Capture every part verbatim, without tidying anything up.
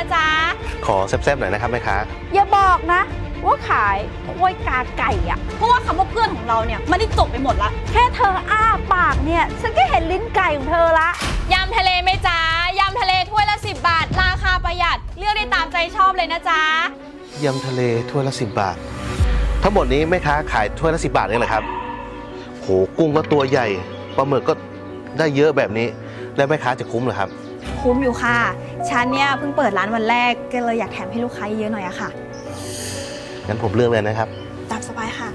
จ๊ะขอแซ่บๆหน่อยนะครับแม่ค้าอย่าบอกนะว่าขายถ้วยกาไก่อะเพราะว่าคำว่าเพื่อนของเราเนี่ยมันได้จบไปหมดละแค่เธออ้าปากเนี่ยฉันก็เห็นลิ้นไก่ของเธอละยำทะเลไหมจ๊ะยำทะเลถ้วยละสิบบาทราคาประหยัดเลือกได้ตามใจชอบเลยนะจ๊ะยำทะเลถ้วยละสิบบาททั้งหมดนี้แม่ค้าขายถ้วยละสิบบาทนี่แหละครับโหกุ้งก็ตัวใหญ่ปลาหมึกก็ได้เยอะแบบนี้แล้วแม่ค้าจะคุ้มเหรอครับคุ้มอยู่ค่ะฉันเนี่ยเพิ่งเปิดร้านวันแรกก็เลยอยากแถมให้ลูกค้าเยอะหน่อยอะค่ะงั้นผมเลือกเลยนะครับตามสบายค่ะ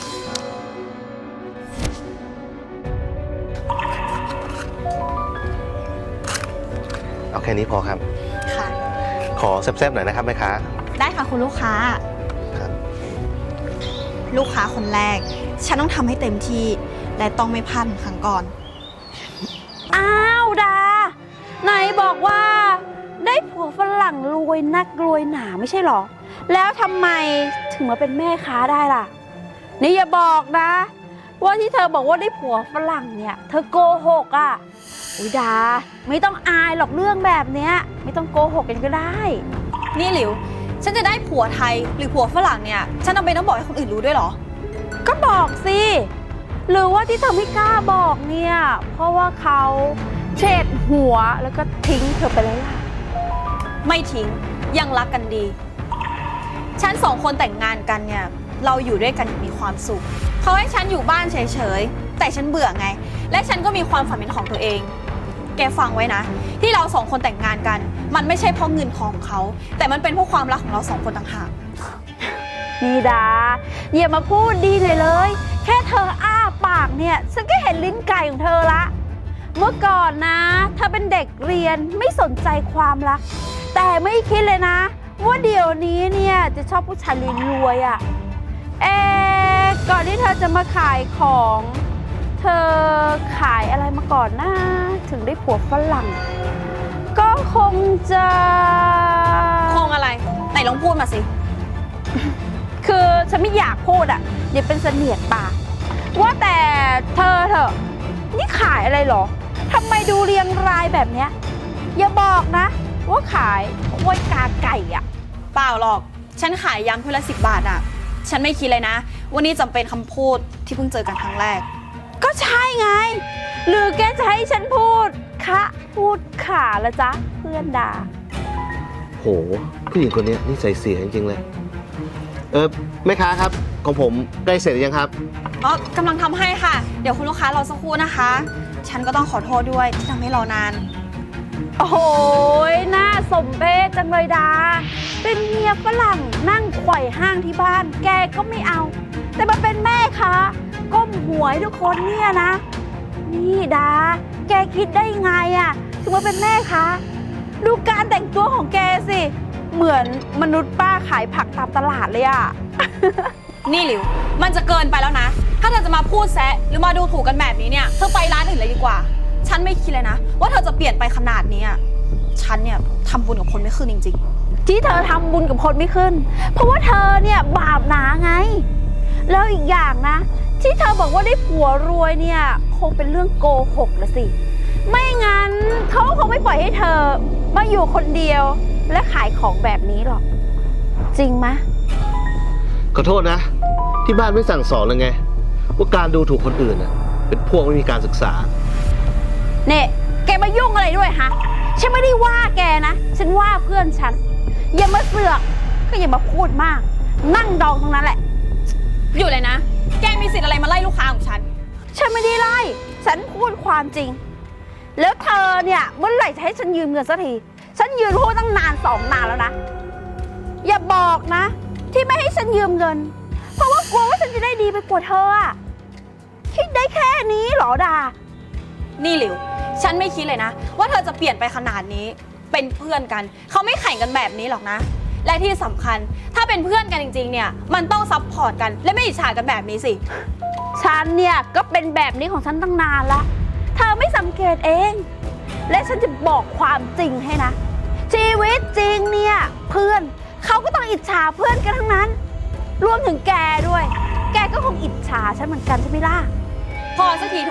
เอาแค่นี้พอครับค่ะขอแซ่บๆหน่อยนะครับแม่ค้าได้ค่ะคุณลูกค้าครับลูกค้าคนแรกฉันต้องทำให้เต็มที่และต้องไม่พลาดเหมือนครั้งก่อนอ้าวดาไหนบอกว่าได้ผัวฝรั่งรวยนักรวยหนาไม่ใช่หรอแล้วทำไมถึงมาเป็นแม่ค้าได้ล่ะนี่อย่าบอกนะว่าที่เธอบอกว่าได้ผัวฝรั่งเนี่ยเธอโกหกอ่ะอุยดาไม่ต้องอายหรอกเรื่องแบบเนี้ยไม่ต้องโกหกกันก็ได้นี่หลิวฉันจะได้ผัวไทยหรือผัวฝรั่งเนี่ยฉันจำเป็นต้องบอกให้คนอื่นรู้ด้วยหรอก็บอกสิหรือว่าที่เธอไม่กล้าบอกเนี่ยเพราะว่าเขาเฉดหัวแล้วก็ทิ้งเธอไปแล้วล่ะไม่ทิ้งยังรักกันดีฉันสองคนแต่งงานกันเนี่ยเราอยู่ด้วยกันมีความสุขเขาให้ฉันอยู่บ้านเฉยๆแต่ฉันเบื่อไงและฉันก็มีความฝันเป็นของตัวเองแกฟังไว้นะที่เราสองคนแต่งงานกันมันไม่ใช่เพราะเงินของเขาแต่มันเป็นเพราะความรักของเราสองคนต่างหากนี่ดาอย่ามาพูดดีเลยเลยแค่เธออ้าปากเนี่ยฉันก็เห็นลิ้นไก่ของเธอละเมื่อก่อนนะเธอเป็นเด็กเรียนไม่สนใจความรักแต่ไม่คิดเลยนะว่าเดี๋ยวนี้เนี่ยจะชอบผู้ชายรวยๆอ่ะเอ๊ะก่อนที่เธอจะมาขายของเธอขายอะไรมาก่อนนะถึงได้ผัวฝรั่งก็คงจะคงอะไรไหนลองพูดมาสิคือฉันไม่อยากพูดอ่ะอย่าเป็นเสนียดปากว่าแต่เธอเถอะนี่ขายอะไรหรอทำไมดูเรียงรายแบบเนี้ยอย่าบอกนะว่าขายถ้วยกาไก่อ่ะเปล่าหรอกฉันขายยำถ้วยละสิบบาทอ่ะฉันไม่คิดเลยนะวันนี้จำเป็นคำพูดที่เพิ่งเจอกันครั้งแรกก็ใช่ไงหรือแกจะให้ฉันพูดคะพูดขาละจ๊ะเพื่อนด่าโหผู้หญิงคนนี้นิสัยเสียจริงๆเลยเออแม่ค้าครับของผมใกล้เสร็จหรือยังครับอ๋อกำลังทำให้ค่ะเดี๋ยวคุณลูกค้ารอสักครู่นะคะฉันก็ต้องขอโทษด้วยที่ทำให้รอนานโอ้โหน่าสมเพชจังเลยดาเป็นเมียฝรั่งนั่งไขว่ห้างที่บ้านแกก็ไม่เอาแต่มาเป็นแม่คะก้มหัวให้ทุกคนเนี่ยนะนี่ดาแกคิดได้ไงอ่ะถึงมาเป็นแม่คะดูการแต่งตัวของแกสิเหมือนมนุษย์ป้าขายผักตามตลาดเลยอ่ะนี่หลิวมันจะเกินไปแล้วนะถ้าเธอจะมาพูดแซะหรือมาดูถูกกันแบบนี้เนี่ยเธอไปร้านอื่นเลยดีกว่าฉันไม่คิดเลยนะว่าเธอจะเปลี่ยนไปขนาดนี้ฉันเนี่ยทำบุญกับคนไม่ขึ้นจริงๆที่เธอทำบุญกับคนไม่ขึ้นเพราะว่าเธอเนี่ยบาปหนาไงแล้วอีกอย่างนะที่เธอบอกว่าได้ผัวรวยเนี่ยคงเป็นเรื่องโกหกละสิไม่งั้นเขาคงไม่ปล่อยให้เธอมาอยู่คนเดียวและขายของแบบนี้หรอกจริงไหมขอโทษนะที่บ้านไม่สั่งสอนเลยไงว่าการดูถูกคนอื่นเป็นพวกไม่มีการศึกษาเนี่ยแกมายุ่งอะไรด้วยฮะฉันไม่ได้ว่าแกนะฉันว่าเพื่อนฉันอย่ามาเสือกก็อย่ามาพูดมากนั่งดองตรงนั้นแหละอยู่เลยนะแกมีสิทธิ์อะไรมาไล่ลูกค้าของฉันฉันไม่ได้ไล่ฉันพูดความจริงแล้วเธอเนี่ยเมื่อไหร่จะให้ฉันยืมเงินสักทีฉันยืมพูดตั้งนานสองนานแล้วนะอย่าบอกนะที่ไม่ให้ฉันยืมเงินเพราะว่ากลัวว่าฉันจะได้ดีไปกว่าเธออะคิดได้แค่นี้หรอดานี่หลิวฉันไม่คิดเลยนะว่าเธอจะเปลี่ยนไปขนาดนี้เป็นเพื่อนกันเขาไม่แข่งกันแบบนี้หรอกนะและที่สำคัญถ้าเป็นเพื่อนกันจริงๆเนี่ยมันต้องซัพพอร์ตกันและไม่อิจฉากันแบบนี้สิฉันเนี่ยก็เป็นแบบนี้ของฉันตั้งนานละเธอไม่สังเกตเองและฉันจะบอกความจริงให้นะชีวิตจริงเนี่ยเพื่อนเขาก็ต้องอิจฉาเพื่อนกันทั้งนั้นรวมถึงแกด้วยแกก็คงอิจฉาฉันเหมือนกันใช่ไหมล่ะพอสักทีเถอะ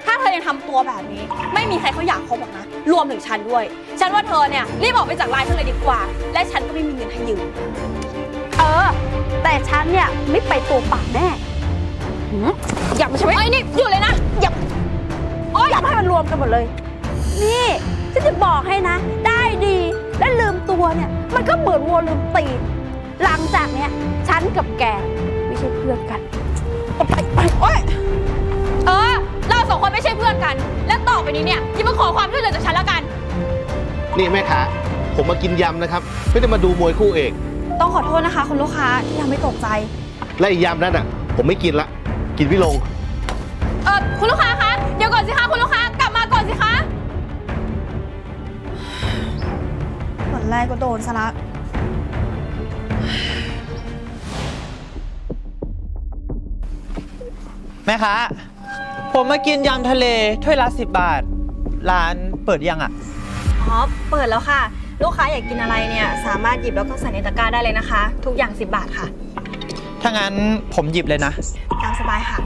ถ้าเธอยังทำตัวแบบนี้ ไม่มีใครเขาอยากคบหรอกนะ รวมถึงฉันด้วย ฉันว่าเธอเนี่ยรีบออกไปจากร้านฉันเลยดีกว่า และฉันก็ไม่มีเงินให้ยืมเออ แต่ฉันเนี่ยไม่ไปตัวเปล่าแน่หืมอย่ามาใช่ไหมไอ้ยนี่หยุดเลยนะอย่าโอ๊ยอย่าให้มันรวมกันหมดเลย นี่ฉันจะบอกให้นะ ได้ดีและลืมตัวเนี่ยมันก็เหมือนวัวลืมตีนหลังจากเนี้ยฉันกับแกไม่ใช่เพื่อนกันเอาไปไปโอ๊ยเออ เราสองคนไม่ใช่เพื่อนกัน และต่อไปนี้เนี่ยอย่ามาขอความช่วยเหลือจากฉันแล้วกันนี่แม่ค้าผมมากินยำนะครับ ไม่ได้มาดูมวยคู่เอกต้องขอโทษนะคะคุณลูกค้าที่ทำให้ตกใจและอีกยำนั่นอ่ะ ผมไม่กินละ กินไม่ลงเออคุณลูกค้าคะ เดี๋ยวก่อนสิคะคุณลูกค้ากลับมาก่อนสิคะวันแรกก็โดนซะละแม่ค้าผมมากินยำทะเลถ้วยละสิบบาท ร้านเปิดยังอ่ะอ๋อ เปิดแล้วค่ะ ลูกค้าอยากกินอะไรเนี่ยสามารถหยิบแล้วก็ใส่ในตะกร้าได้เลยนะคะ ทุกอย่างสิบบาทค่ะถ้างั้นผมหยิบเลยนะตามสบายค่ะ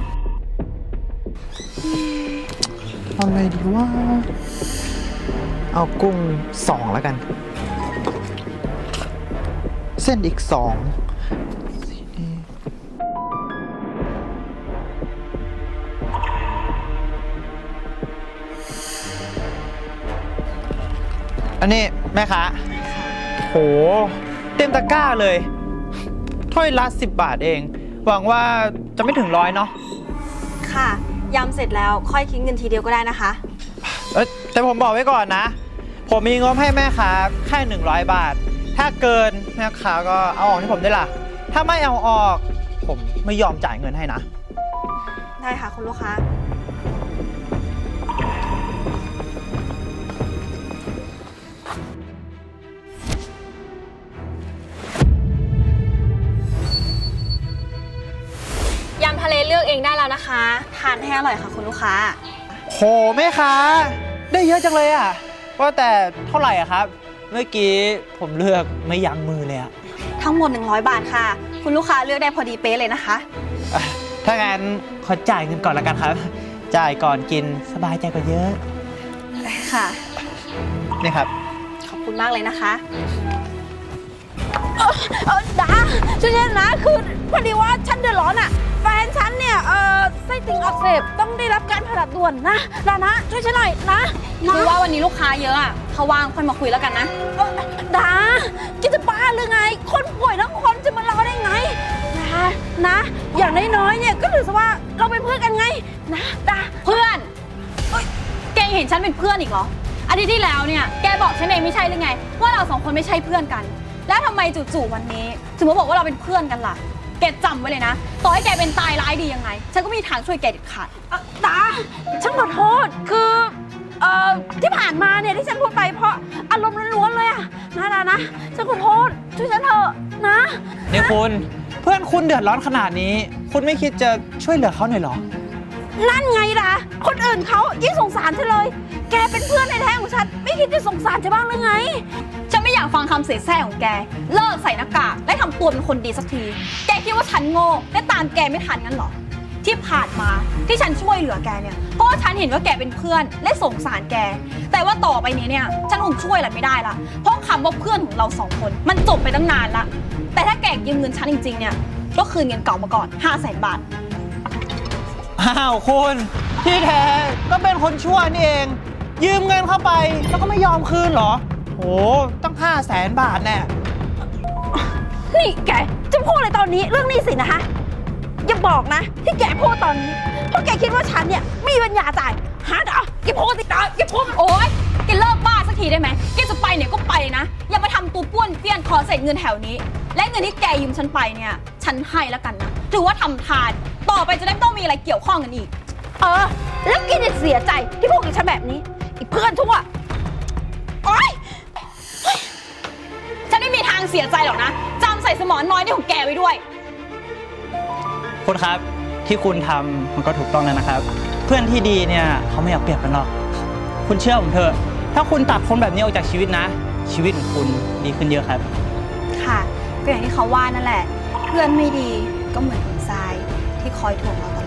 เอาไงดีว่า เอากุ้งสองแล้วกัน เส้นอีกสองอันนี้แม่ค้าโหเต็มตะกร้าเลยถ้วยละสิบบาทเอง หวังว่าจะไม่ถึงร้อยเนาะค่ะ ยำเสร็จแล้วค่อยคิดเงินทีเดียวก็ได้นะคะเอ้ยแต่ผมบอกไว้ก่อนนะ ผมมีงบให้แม่ค้าแค่หนึ่งร้อยบาท ถ้าเกินแม่ค้าก็เอาออกให้ผมได้ล่ะ ถ้าไม่เอาออก ผมไม่ยอมจ่ายเงินให้นะได้ค่ะคุณลูกค้า ยำทะเลเลือกเองได้แล้วนะคะ ทานให้อร่อยค่ะคุณลูกค้าโหแม่ค้าได้เยอะจังเลยอ่ะว่าแต่เท่าไหร่อะครับ เมื่อกี้ผมเลือกไม่ยั้งมือเลยอะทั้งหมดหนึ่งร้อยบาทค่ะ คุณลูกค้าเลือกได้พอดีเป๊ะเลยนะคะอ่ะถ้างั้นขอจ่ายเงินก่อนละกันครับ จ่ายก่อนกินสบายใจกว่าเยอะค่ะนี่ครับขอบคุณมากเลยนะคะเออดาช่วยฉันนะคือพอดีว่าฉันเดือดร้อนอ่ะแฟนฉันเนี่ยเออไส้ติ่งอักเสบต้องได้รับการผ่าตัดด่วนนะดานะช่วยฉันหน่อยนะนะคือว่าวันนี้ลูกค้าเยอะอะเขาว่างค่อยมาคุยแล้วกันนะเอ่อดาคิดจะบ้าหรือไง คนป่วยทั้งคนจะมารอได้ไงนะนะ อย่างน้อยๆเนี่ยก็ถือซะว่าเราเป็นเพื่อนกันไงนะดาเพื่อนเอ้ยแกยังเห็นฉันเป็นเพื่อนอีกเหรอ อาทิตย์ที่แล้วเนี่ยแกบอกฉันเองไม่ใช่หรือไง ว่าเราสองคนไม่ใช่เพื่อนกัน แล้วทำไมจู่ๆวันนี้ถึงมาบอกว่าเราเป็นเพื่อนกันล่ะ แกจำไว้เลยนะ ต่อให้แกเป็นตายร้ายดียังไง ฉันก็ไม่มีทางช่วยแกเด็ดขาดเอ่อดาฉันขอโทษคือเอ่อที่ผ่านมาเนี่ยที่ฉันพูดไปเพราะอารมณ์ล้วนๆเลยอะนะดานะฉันขอโทษช่วยฉันเถอะนะนี่คุณเพื่อนคุณเดือดร้อนขนาดนี้ คุณไม่คิดจะช่วยเหลือเขาหน่อยเหรอนั่นไงล่ะคนอื่นเขายิ่งสงสารฉันเลย แกเป็นเพื่อนในแท้ของฉันไม่คิดจะสงสารฉันบ้างหรือไงฉันไม่อยากฟังคำเสียแซ่ของแก เลิกใส่หน้ากากและทำตัวเป็นคนดีสักที แกคิดว่าฉันโง่และตามแกไม่ทันงั้นเหรอ ที่ผ่านมาที่ฉันช่วยเหลือแกเนี่ย เพราะว่าฉันเห็นว่าแกเป็นเพื่อนและสงสารแก แต่ว่าต่อไปนี้เนี่ยฉันคงช่วยอะไรไม่ได้ละ เพราะคำว่าเพื่อนของเราสองคนมันจบไปตั้งนานละ แต่ถ้าแกยืมเงินฉันจริงๆเนี่ย ก็คืนเงินเก่ามาก่อน ห้าแสนบาทอ้าวคุณที่แท้ก็เป็นคนชั่วนี่เอง ยืมเงินเข้าไปแล้วก็ไม่ยอมคืนเหรอโหตั้งห้าแสนบาทแน่นี่แกจะพูดอะไรตอนนี้เรื่องหนี้สินนะคะอย่าบอกนะ ที่แกพูดตอนนี้เพราะแกคิดว่าฉันเนี่ยมีปัญญาจ่ายฮะดาแกพูดสิดาแกพูดโอ๊ยแกเลิกบ้าสักทีได้ไหมแกจะไปเนี่ยก็ไปนะ อย่ามาทำตัวป้วนเปี้ยนขอเศษเงินแถวนี้ และเงินที่แกยืมฉันไปเนี่ย ฉันให้แล้วกันนะ ถือว่าทำทาน ต่อไปจะได้ไม่ต้องมีอะไรเกี่ยวข้องกันอีกเออ แล้วแกจะเสียใจที่พูดกับฉันแบบนี้อีเพื่อนชั่วโอ๊ยฉันไม่มีทางเสียใจหรอกนะจำใส่สมองน้อยนี่ของแกไว้ด้วยคุณครับที่คุณทำมันก็ถูกต้องแล้วนะครับ เพื่อนที่ดีเนี่ยเขาไม่เอาเปรียบกันหรอกคุณเชื่อผมเถอะถ้าคุณตัดคนแบบนี้ออกจากชีวิตนะ ชีวิตของคุณดีขึ้นเยอะครับค่ะก็อย่างที่เขาว่านั่นแหละ เพื่อนไม่ดีก็เหมือนหินทรายที่คอยถ่วงเราต